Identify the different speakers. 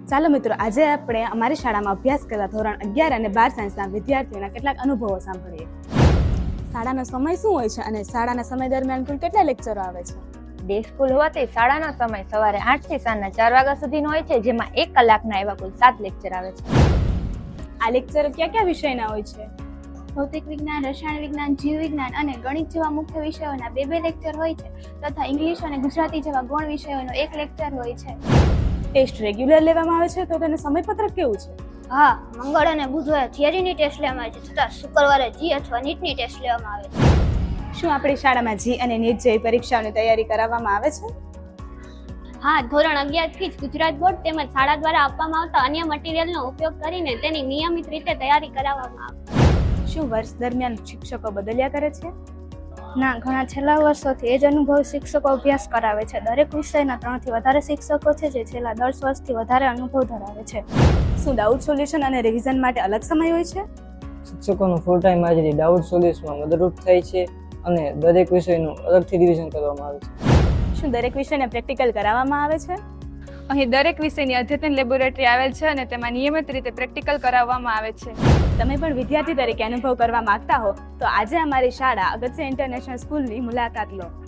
Speaker 1: ચાલો મિત્રો, આજે આપણે અમારી શાળામાં અભ્યાસ કરતા ધોરણ 11 અને 12 સાયન્સના વિદ્યાર્થીઓના કેટલાક અનુભવો સાંભળીએ. શાળાનો સમય શું હોય છે અને શાળાના સમય દરમિયાન કુલ કેટલા લેક્ચરો આવે છે?
Speaker 2: ડે સ્કૂલ હોવાથી શાળાનો સમય સવારે 8 થી સાંજના 4 વાગ્યા સુધીનો હોય છે, જેમાં 1 કલાકના એવા કુલ 7 લેક્ચર આવે છે.
Speaker 1: આ લેક્ચરો કયા વિષયના હોય છે?
Speaker 3: ભૌતિક વિજ્ઞાન, રસાયણ વિજ્ઞાન, જીવ વિજ્ઞાન અને ગણિત જેવા મુખ્ય વિષયોના 2 લેક્ચર હોય છે તથા ઇંગ્લિશ અને ગુજરાતી જેવા ગૌણ વિષયોનો 1 લેક્ચર હોય છે.
Speaker 1: ટેસ્ટ રેગ્યુલર લેવામાં આવે છે તો તેનું સમયપત્રક કેવું છે?
Speaker 3: હા, મંગળ અને બુધવારે થિયરીની ટેસ્ટ લેવામાં આવે છે તથા શુક્રવારે જી અથવા નીટની ટેસ્ટ લેવામાં આવે છે.
Speaker 1: શું આપણી શાળામાં જી અને નીટ જેવી પરીક્ષાઓની તૈયારી કરાવવામાં આવે છે?
Speaker 3: હા, ધોરણ 11 થી જ ગુજરાત બોર્ડ તેમજ શાળા દ્વારા આપવામાં આવતા અન્ય મટીરિયલનો ઉપયોગ કરીને તેની નિયમિત રીતે તૈયારી કરાવવામાં આવે છે.
Speaker 1: શું વર્ષ દરમિયાન શિક્ષકો બદલ્યા કરે છે?
Speaker 4: ના, ઘણા છેલ્લા વર્ષોથી એ જ અનુભવ શિક્ષકો અભ્યાસ કરાવે છે. દરેક વિષયના 3 થી વધારે શિક્ષકો છે જે છેલ્લા 10 વર્ષથી વધારે અનુભવ ધરાવે છે.
Speaker 1: શું ડાઉટ સોલ્યુશન અને રિવિઝન માટે અલગ સમય હોય છે?
Speaker 5: શિક્ષકોનું ફૂલ ટાઈમ હાજરી ડાઉટ સોલ્યુશનમાં મદદરૂપ થાય છે અને દરેક વિષયનું અલગથી રિવિઝન કરવામાં આવે છે.
Speaker 1: શું દરેક વિષયને પ્રેક્ટિકલ કરાવવામાં આવે છે?
Speaker 6: અહીં દરેક વિષયની અદ્યતન લેબોરેટરી આવેલ છે અને તેમાં નિયમિત રીતે પ્રેક્ટિકલ કરાવવામાં આવે છે.
Speaker 1: તમે પણ વિદ્યાર્થી તરીકે અનુભવ કરવા માંગતા હો તો આજે અમારી શાળા અગત્ય ઇન્ટરનેશનલ સ્કૂલની મુલાકાત લો.